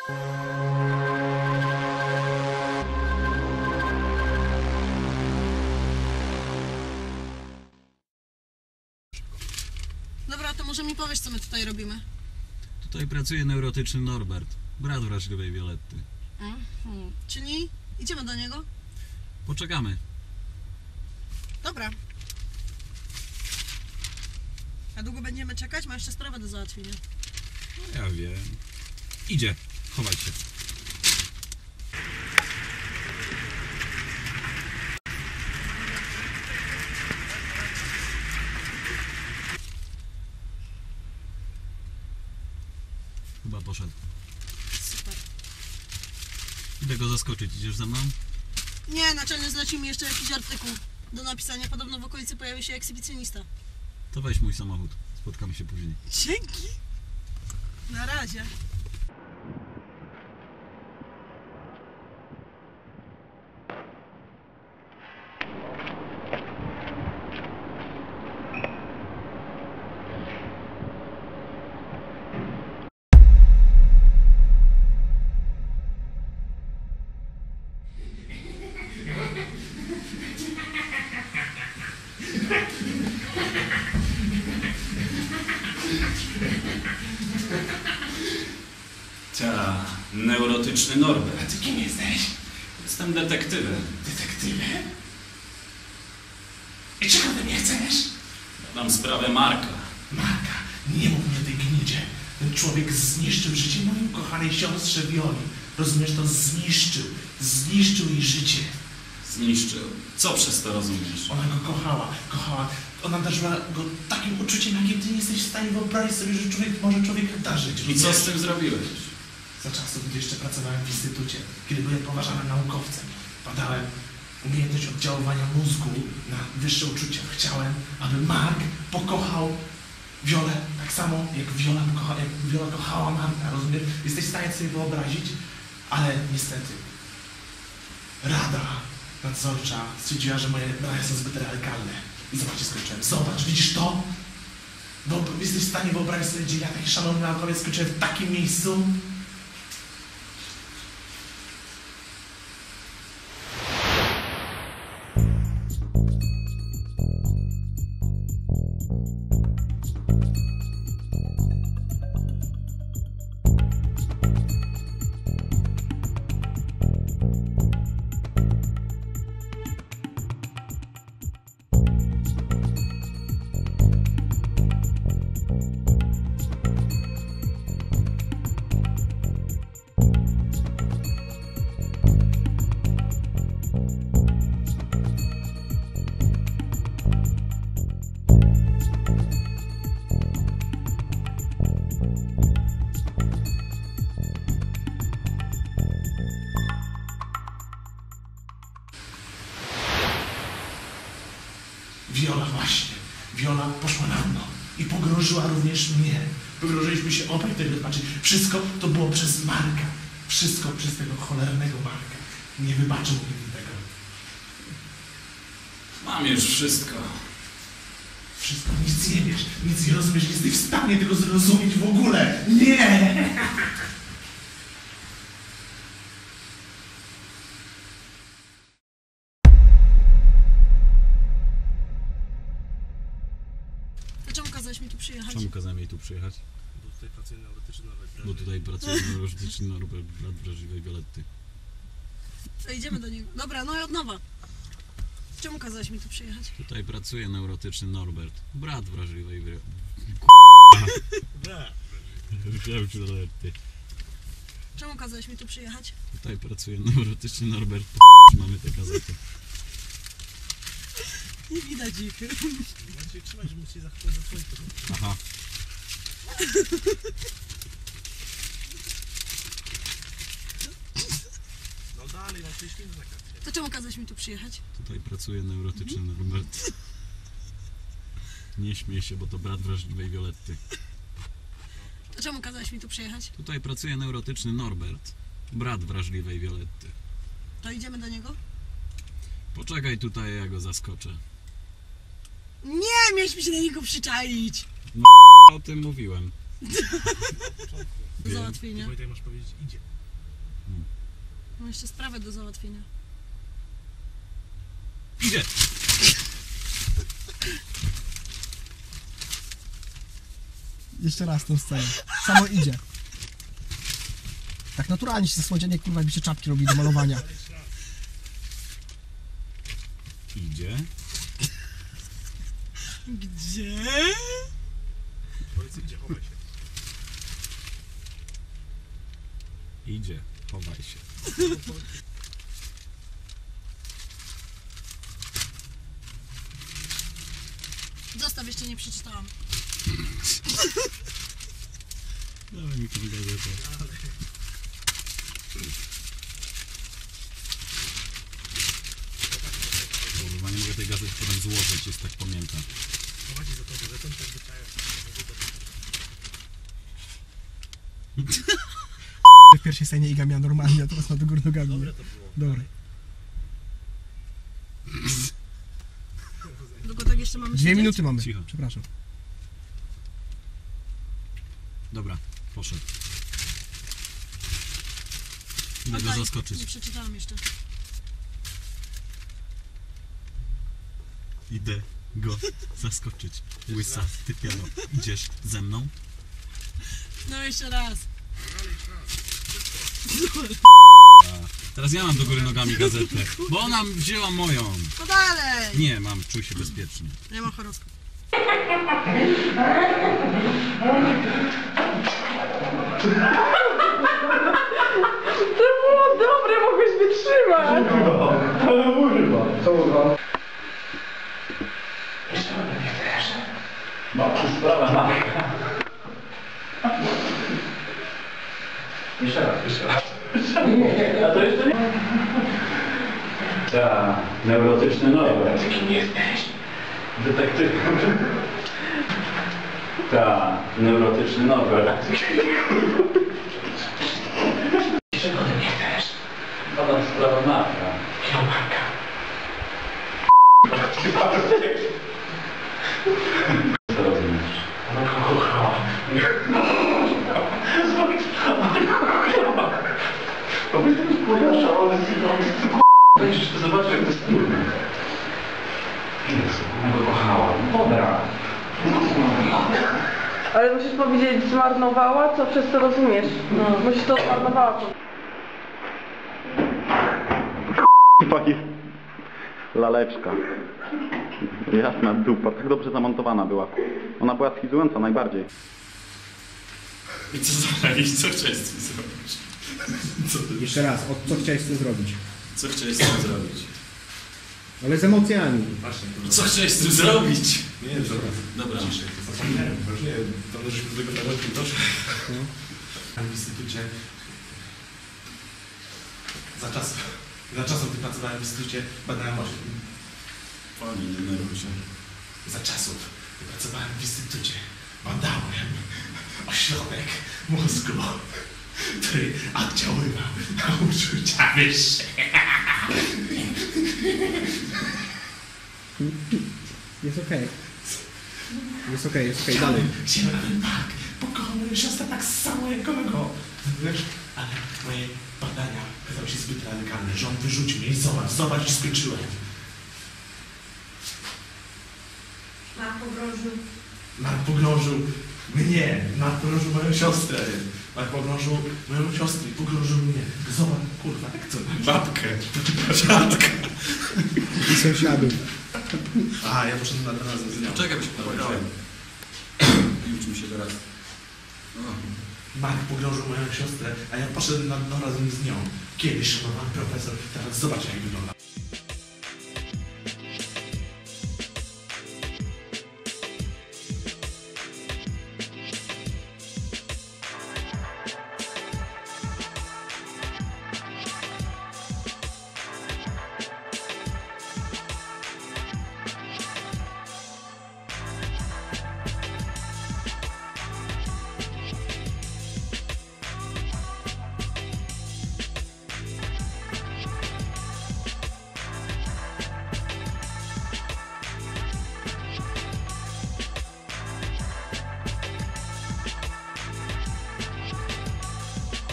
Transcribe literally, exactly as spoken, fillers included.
Dobra, to może mi powiesz, co my tutaj robimy? Tutaj pracuje neurotyczny Norbert, brat wrażliwej Violetty. Mhm. Czyli idziemy do niego? Poczekamy. Dobra. A długo będziemy czekać? Ma jeszcze sprawę do załatwienia. No ja wiem. Idzie, chowaj się. Chyba poszedł. Super. Idę go zaskoczyć, idziesz ze mną? Nie, naczelny zlecił mi jeszcze jakiś artykuł do napisania. Podobno w okolicy pojawi się ekshibicjonista. To weź mój samochód, spotkamy się później. Dzięki. Na razie. Ta, neurotyczny Norbert. A ty kim jesteś? Jestem detektywem. Detektywem? I czego ty mnie chcesz? Mam sprawę Marka. Marka, nie mów mi o tej gnidzie. Ten człowiek zniszczył życie mojej ukochanej siostrze Violi. Rozumiesz, to zniszczył. Zniszczył jej życie. Zniszczył. Co przez to rozumiesz? Ona go kochała, kochała. Ona darzyła go takim uczuciem, jakim ty nie jesteś w stanie wyobrazić sobie, że człowiek może człowieka darzyć. I co z tym zrobiłeś? Za czasów, gdy jeszcze pracowałem w instytucie, kiedy byłem poważanym naukowcem, badałem umiejętność oddziaływania mózgu na wyższe uczucia. Chciałem, aby Mark pokochał Violę tak samo, jak Viola, kocha, jak Viola kochała Marka, rozumiesz? Jesteś w stanie sobie wyobrazić, ale niestety Rada nadzorcza stwierdziła, że moje brania są zbyt radykalne. I zobaczcie, skończyłem. Zobacz, widzisz to? Bo jesteś w stanie wyobrazić sobie, gdzie ja, taki szanowny naukowiec, skończyłem w takim miejscu? Viola właśnie. Viola poszła na mną i pogrążyła również mnie. Pogrążyliśmy się obaj tego, znaczy wszystko to było przez Marka. Wszystko przez tego cholernego Marka. Nie wybaczył mi tego. Mam już wszystko. Wszystko, nic nie wiesz, nic nie rozumiesz, nie jesteś w stanie tego zrozumieć w ogóle. Nie! Czemu kazałeś mi tu przyjechać? Czemu kazałem jej tu przyjechać? Bo tutaj pracuje neurotyczny Norbert. Bo tutaj pracuje neurotyczny Norbert, brat wrażliwej Violetty. To idziemy do niego. Dobra, no i od nowa. Czemu kazałeś mi tu przyjechać? Tutaj pracuje neurotyczny Norbert, brat wrażliwej Violetty. Czemu kazałeś mi tu przyjechać? Tutaj pracuje neurotyczny Norbert, mamy te gazety. Nie widać ich. Macie trzymać, że musicie zachować za swoje. Aha. No dalej, mam sześć minut na karcie. To czemu kazałeś mi tu przyjechać? Tutaj pracuje neurotyczny Norbert. Nie śmiej się, bo to brat wrażliwej Violetty. To czemu kazałeś mi tu przyjechać? Tutaj pracuje neurotyczny Norbert, brat wrażliwej Violetty. To idziemy do niego? Poczekaj tutaj, ja go zaskoczę. Nie, mieliśmy się na niego przyczaić. O tym mówiłem. do Wiem. załatwienia. Wojtek masz powiedzieć idzie. Mam jeszcze sprawę do załatwienia. Idzie! Jeszcze raz tą scenę. Samo idzie. Tak naturalnie się ze słodzianie, kurwa, jakby się czapki robi do malowania. Idzie. Gdzie? Powiedz idzie, chowaj się. Idzie. Chowaj się. Zostaw, jeszcze nie przeczytałam. Dawaj mi tą gazetę. Kurwa, nie mogę tej gazety potem złożyć, jest tak pamiętam. Prowadzi za to gazetą, tak zwyczajem. W pierwszej scenie Iga miała normalnie, a teraz ma do góry nogami. Dobre to było. Dobra. Długo tak jeszcze mamy Dwie siedzieć? minuty mamy. Cicho. Przepraszam. Dobra, poszedł. Idę go Oddaj. zaskoczyć. Nie przeczytałam jeszcze. Idę go zaskoczyć. Łysa, ty piano. Idziesz ze mną? No jeszcze raz. A, teraz ja mam do góry nogami gazetę, bo ona wzięła moją. No dalej! Nie, mam, czuj się bezpiecznie. Nie ma horoskop. To było dobre, mogłeś wytrzymać. Tak, neurotyczny Norbert. Kim jesteś? Detektyw. Tak, neurotyczny Norbert. Czego ty nie chcesz? Pana sprawa Marka. Jakiego Marka? Co rozumiesz? Będziesz to zobaczył, jak to jest trudne. Jezu, ona go kochała. Dobra. Ale musisz powiedzieć zmarnowała, co przez to rozumiesz. No. Musisz to zmarnowała. Pani laleczka. Jasna dupa, tak dobrze zamontowana była. Ona była schizująca najbardziej. I co zrobić? Co chciałeś z tym zrobić? Co, Jeszcze raz, o, co chciałeś z tym zrobić? co chciałeś z tym zrobić? Ale z emocjami. Co chciałeś z tym zrobić? Nie, dobra. Dobra. Ciszej, to zapomniałem. Już nie, tam żeśmy do tego nawet doszli. W instytucie. Za czasów. Za czasów, gdy pracowałem w instytucie, badałem oślep. Pani, nie denerwuj się. Za czasów, gdy pracowałem w instytucie, badałem ośrodek mózgu, który oddziaływał na uczucia wyższe. Jest okej. Jest okej, jest okej, dalej. Chciałem, aby Mark pokochał moją siostrę tak samo jak go. Wiesz, ale moje badania okazały się zbyt radykalne, że on wyrzucił mnie i zobacz, zobacz, że skończyłem. Na pogrążył. Mark pogrążył mnie, Mark pogrążył moją siostrę. Mark pogrążył moją siostrę i pogrążył mnie. Zobacz, kurwa, jak to? Babkę. Dziadka. I sąsiadów. A, ja poszedłem na razem z nią. Czekaj, by się powiedziałem. Uczmy się teraz. Mark pogrążył moją siostrę, a ja poszedłem na dno razem z nią. Kiedyś szanowany profesor, teraz zobacz jak wygląda.